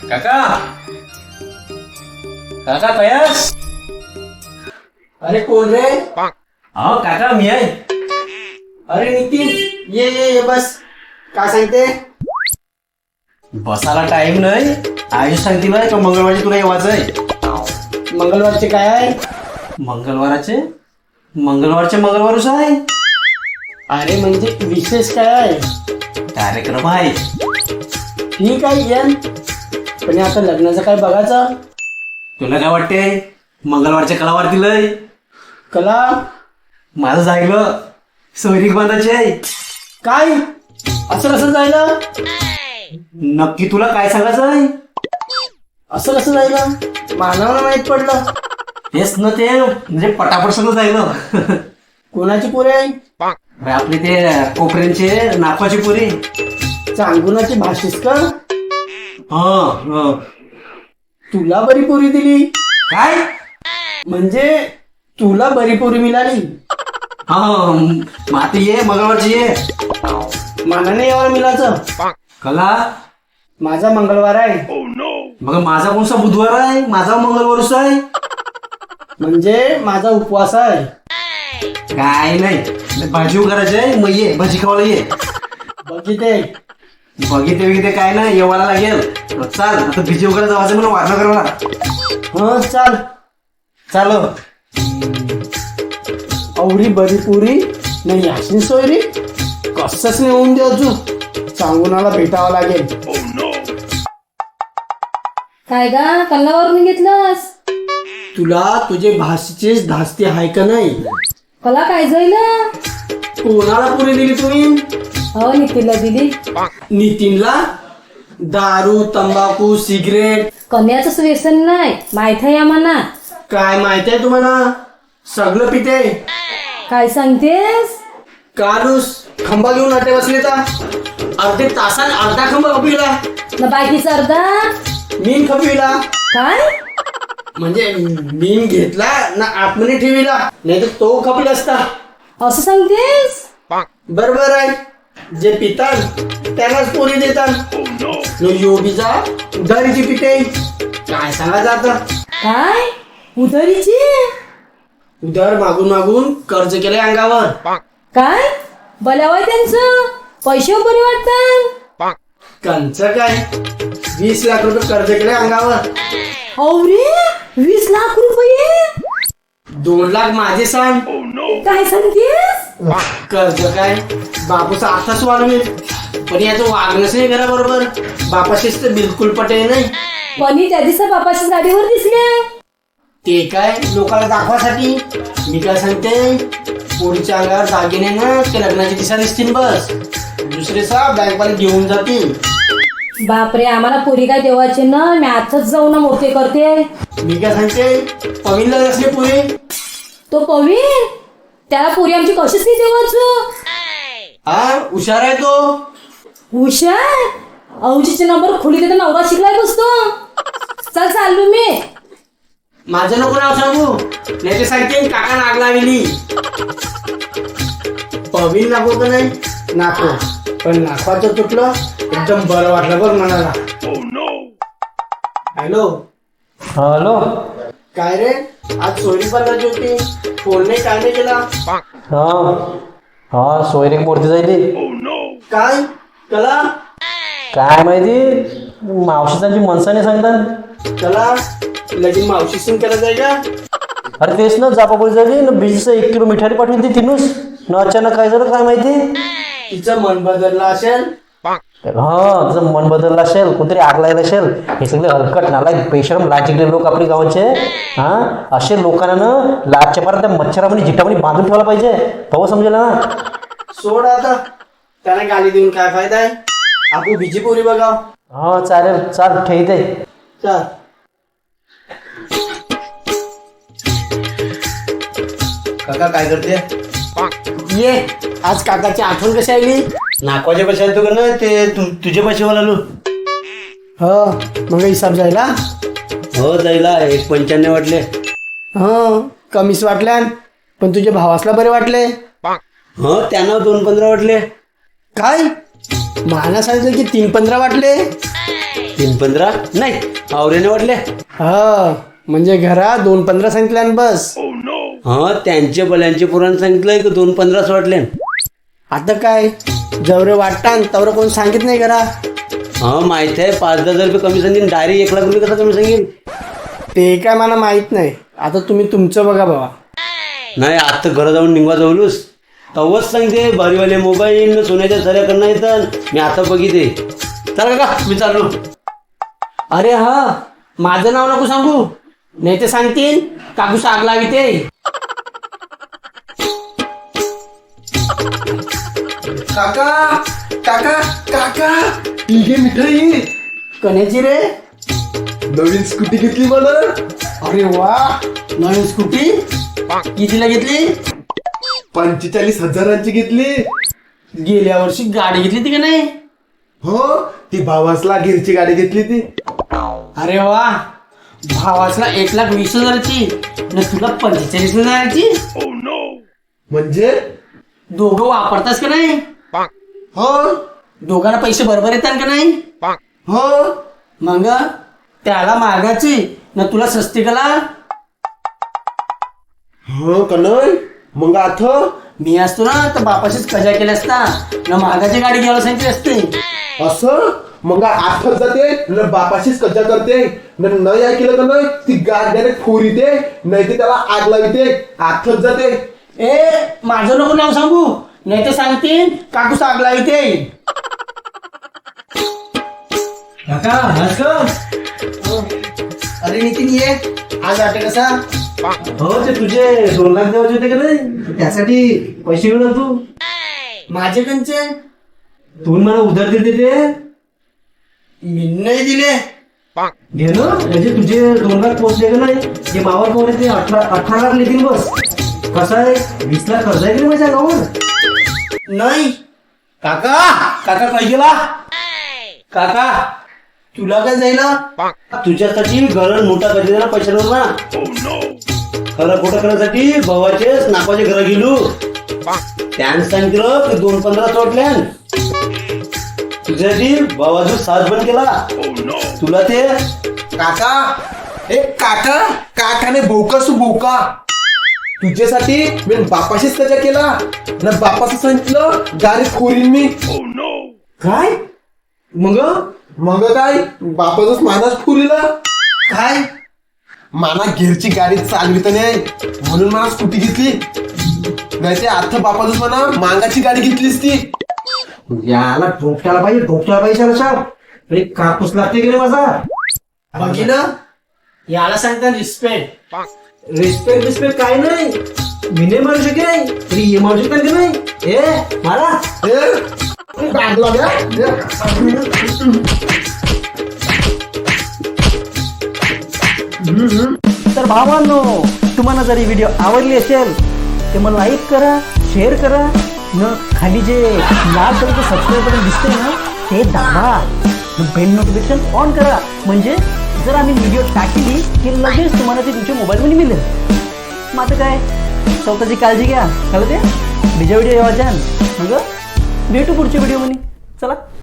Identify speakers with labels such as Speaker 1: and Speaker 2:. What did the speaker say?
Speaker 1: काका काका कयास.
Speaker 2: अरे कोण रे?
Speaker 1: हो काका मी आहे.
Speaker 2: अरे नितीन, ये बस. काय सांगते?
Speaker 1: बसायला टाइम नाही. आयुष सांगते बाय का मंगळवारी तुला येवायचं आहे.
Speaker 2: मंगळवारचे काय आहे?
Speaker 1: मंगळवारचे मंगळवारच आहे.
Speaker 2: अरे म्हणजे विशेष काय आहे?
Speaker 1: कार्यक्रम आहे.
Speaker 2: ठीक आहे येन, पण आता लग्नाचं काय बघायचं?
Speaker 1: तुला काय वाटते? मंगळवारच्या कलावार दिलंय.
Speaker 2: कला
Speaker 1: माझं जायलं सोयरीक बांधायची आहे.
Speaker 2: काय? असं कसं जायला?
Speaker 1: नक्की तुला काय सांगायचं आहे?
Speaker 2: असं कसं जायला? मानवाला माहित पडलं.
Speaker 1: तेच न ते म्हणजे पटापट सगळं जायलं.
Speaker 2: कोणाची पोरे आहे?
Speaker 1: अरे आपले ते कोपऱ्यांचे नाकवाची पुरी.
Speaker 2: चांगुनाची भाषीस का?
Speaker 1: हा.
Speaker 2: तुला बरी पोरी दिली?
Speaker 1: काय?
Speaker 2: म्हणजे तुला बरी पोरी मिळाली?
Speaker 1: हा मग आता ये मंगळवारची ये.
Speaker 2: मानाने यावर मिळाचं.
Speaker 1: कला
Speaker 2: माझा मंगळवार आहे.
Speaker 1: मग माझा कोणसा बुधवार आहे? माझा मंगळवारच आहे.
Speaker 2: म्हणजे माझा उपवास आहे.
Speaker 1: काय नाही, भाजी करायची आहे. मग ये भाजी खावायला ये.
Speaker 2: बघिते
Speaker 1: बघिते काय नाही, येवायला लागेल. चाल आता भिजी वगैरे जावायचं मला वारणा करायला.
Speaker 2: हा चाल.
Speaker 1: चाल.
Speaker 2: अवरी बरी पुरी नाही अशी सोयरी कसंच नाही होऊन दे. अजून सांगूनाला भेटावं लागेल.
Speaker 3: काय गा कल्लावरून घेतलंस?
Speaker 2: तुला तुझे भाषेचीच धास्ती आहे का नाही?
Speaker 3: कला काय जाईल?
Speaker 2: कोणाला पुरी दिली तुम्ही?
Speaker 3: हो नितीनला दिली.
Speaker 2: नितीनला? दारू, तंबाखू, सिगरेट
Speaker 3: कन्याच व्यसन नाही माहित आहे आम्हाला.
Speaker 2: काय माहित आहे तुम्हाला? सगळं पिते.
Speaker 3: काय सांगतेस?
Speaker 2: कालूस खंबा घेऊन अटे बसले तर अर्धे तासात अर्धा खंबा खपिला.
Speaker 3: न बाकीचा अर्धा
Speaker 2: मीन खपिला.
Speaker 3: काय?
Speaker 2: म्हणजे मीन घेतला ना आतमध्ये ठेविला, नाही तर तो खपला असता.
Speaker 3: असं सांगतेस?
Speaker 2: बरोबर आहे. जे पितात त्यालाच पोरी देतात. योबीचा उधारीची पिते. काय सांगायचं आता?
Speaker 3: काय उधारीची?
Speaker 2: उधार मागून मागून कर्ज केलंय अंगावर.
Speaker 3: काय बल्यावर त्यांचं पैसे बरे वाटतात.
Speaker 2: कंच काय 20 लाख रुपये कर्ज केलंय अंगावर.
Speaker 3: अरे 20 लाख रुपये?
Speaker 2: 2 लाख माझे सांग.
Speaker 3: काय सांगतेस?
Speaker 2: कर्ज काय बापूचा आताच वाढवेल, पण याचं वागणंच नाही घराबरोबर. बापाशीच तर बिलकुल पटे नाही.
Speaker 3: पण त्या दिवसा बापाच्या गाडीवर दिसले.
Speaker 2: ते काय लोकांना दाखवासाठी. मी काय सांगते, पोरीच्या अंगावर दागिने ना ते लग्नाची दिशा दिसतील बस. दुसरे सा बँकवाले घेऊन जातील.
Speaker 3: बापरे, आम्हाला पुरी काय देवाचे ना. मी आताच जाऊन ना मोठे करते.
Speaker 2: मी काय सांगते, पवीनला असले पुरी.
Speaker 3: तो पवीर त्याला पुरी आमची कशीच नाही देवाच.
Speaker 2: हा हुशार आहे तो.
Speaker 3: हुशार? अवजीचे नंबर खोली देता नवरा शिकलाय बसतो. चल चाललो मी.
Speaker 2: माझं नको नाव सांगू, नाही ते सांगते काका नाग लावली. पवीन नको का नाही? नाको, पण नाकवाचं तुटलं एकदम बरं वाटलं बघ मनाला. हॅलो.
Speaker 1: हॅलो.
Speaker 2: काय रे, आज सोयरी बनवायची होती, फोन नाही काय नाही केला?
Speaker 1: हा सोयरीक मूर्ती जायली.
Speaker 2: काय कला?
Speaker 1: काय माहिती, मावशीची मनसाने सांगतात.
Speaker 2: कला लगीन मावशी सिंग केला जाय का?
Speaker 1: अरे तेच ना, जापापुरी झाली ना. बीजचं 1 किलो मिठारी पाठवून ती तिनूच न. अचानक काय झालं काय माहिती.
Speaker 2: तिचं मन बदललं असेल.
Speaker 1: हा तुझं मन बदललं असेल, कोणतरी आग लागला असेल. हे सगळे हलकट नालायक बेशरम लाजिकले लोक आपले गावाचे. हा असे लोकांना लाजच्या पार त्या मच्छरामध्ये जिटामध्ये बांधून ठेवायला पाहिजे. तेव्हा समजेल ना.
Speaker 2: सोड आता, त्याने गाली देऊन काय फायदा आहे. आपण बिजी पोरी बघा.
Speaker 1: हा चालेल, चाल ठेवते.
Speaker 2: चल.
Speaker 1: काका काय करते?
Speaker 2: ये, आज काकाची आठवण कशी आली?
Speaker 1: नाकवाच्या पैसे आले का ना ते तुझे पैसे वाला आलो.
Speaker 2: हो मग हिसाब जायला.
Speaker 1: हो जायला 1.95 वाटले.
Speaker 2: हो कमीच वाटल्या, पण तुझ्या भावासला बरे वाटले.
Speaker 1: हो त्यांना 2.15 वाटले.
Speaker 2: काय मला सांगितलं की 3.15 वाटले.
Speaker 1: 3-15 नाही आवरेने वाटले.
Speaker 2: हा म्हणजे घरात 2-15 सांगितल्या बस.
Speaker 1: हा त्यांचे बल्यांचे पुराण सांगितलंय की 2-15 वाटले.
Speaker 2: आता काय जवळ वाटतान तवर कोण सांगित नाही करा.
Speaker 1: हा माहित आहे 5-10 रुपये कमी सांगेन डायरेक्ट 1 लाख रुपये कसा कमी सांगेन.
Speaker 2: ते काय मला माहित नाही. आता तुम्ही तुमचं बघा बाबा.
Speaker 1: नाही आता घरा जाऊन निघवा जाऊलूस तवच सांगते भारीवाले मोबाईल सोन्याच्या सऱ्या करणं येतात. मी आता बघिते. चला का मी चाललो.
Speaker 2: अरे हा माझं नाव नको सांगू नाही ते सांगतील काकूस आग लावी ते.
Speaker 4: काका काका काका ही घे मिठाई.
Speaker 2: कण्याची रे.
Speaker 4: नवीन स्कूटी घेतली मला.
Speaker 2: अरे वा नवीन स्कूटी कितीला घेतली.
Speaker 4: 45,000ची घेतली.
Speaker 2: गेल्या वर्षी गाडी घेतली ती का नाही.
Speaker 4: हो ती भावासला गिरची गाडी घेतली ती.
Speaker 2: अरे वा भावासला 1,20,000ची न तुला 45,000ची.
Speaker 4: म्हणजे
Speaker 2: दोघं वापरतास का नाही.
Speaker 4: हो
Speaker 2: दोघांना पैसे बरोबर येतात का नाही.
Speaker 4: हो
Speaker 2: मग त्याला मागायची न तुला सस्ती कला.
Speaker 4: हो कनय मग आता
Speaker 2: मी असतो ना तर बापाशीच कजा केल्या असता न मागाची गाडी घ्यायला सांगितली असते.
Speaker 4: असं मग आठच जाते न बापाशीच कज्जा करते न नाही ऐकलं का नाही ती गाड्याने खोरीते नाही ते त्याला आग लाविते. आठच जाते.
Speaker 2: ए माझं नको नाव सांगू नाही तर सांगतील काकूस आग लाविते. अरे नितीन ये आज आटे कसा.
Speaker 1: हो ते तुझे 2 लाख द्यायचे होते का नाही त्यासाठी पैसे घेऊन तू
Speaker 2: माझे कंचे
Speaker 1: तू मला उधार दिले ते
Speaker 2: मी नाही दिले.
Speaker 1: घे ना म्हणजे तुझे 2 लाख पोहोचले का नाही जे मावर कोण आहे ते 18 लाख लेतील बस. कसं आहे 20 लाख खर्च आहे की नाही माझ्या गावावर.
Speaker 2: नाही
Speaker 1: काका काका काय गेला काका
Speaker 2: तुला काय जाईल.
Speaker 1: तुझ्यासाठी घर मोठा कधी ना पैशावर ना खरं खोटं करण्यासाठी भावाचेच नापाचे घर गेलो. त्यानं सांगितलं की 2-15 चोटल्या तुझ्यासाठी भावाचा साथ बंद केला. तुला ते
Speaker 4: काका ए काका काकाने बोकासू बोका तुझ्यासाठी मी बापाशीच कजा केला ना बापाचं सांगितलं गाडी खोरीन मी.
Speaker 1: काय मग
Speaker 4: मग काय बापाचाच मानाच खोरीला.
Speaker 2: काय
Speaker 4: माना घेरची गाडी चालवित नाही म्हणून मला स्कूटी घेतली. नाही ते आता बापाच म्हणा मांगाची गाडी घेतलीस ती.
Speaker 1: याला डोक्याला पाहिजे साहेब अरे कापूस लागते की नाही माझा.
Speaker 2: बघितलं याला सांगता रिस्पेक्ट.
Speaker 1: रिस्पेक्ट काय नाही मी नाही मारू शकेन तरी हे मारू शकतात की नाही. ए मला
Speaker 4: गाडी लागल्या.
Speaker 1: तर भावांनो तुम्हाला जर ही व्हिडिओ आवडली असेल तर मला लाईक करा शेअर करा न खाली जे लाल कलरचं सबस्क्राईब बटन दिसते ना ते दाबा बेल नोटिफिकेशन ऑन करा म्हणजे जर आम्ही व्हिडिओ टाकली की लगेच तुम्हाला ते तुमच्या मोबाईलमध्ये मिळेल. मग आता काय स्वतःची काळजी घ्या कळलं ते. बीजा व्हिडिओ येवाच्या मग भेटू पुढच्या व्हिडिओमध्ये. चला.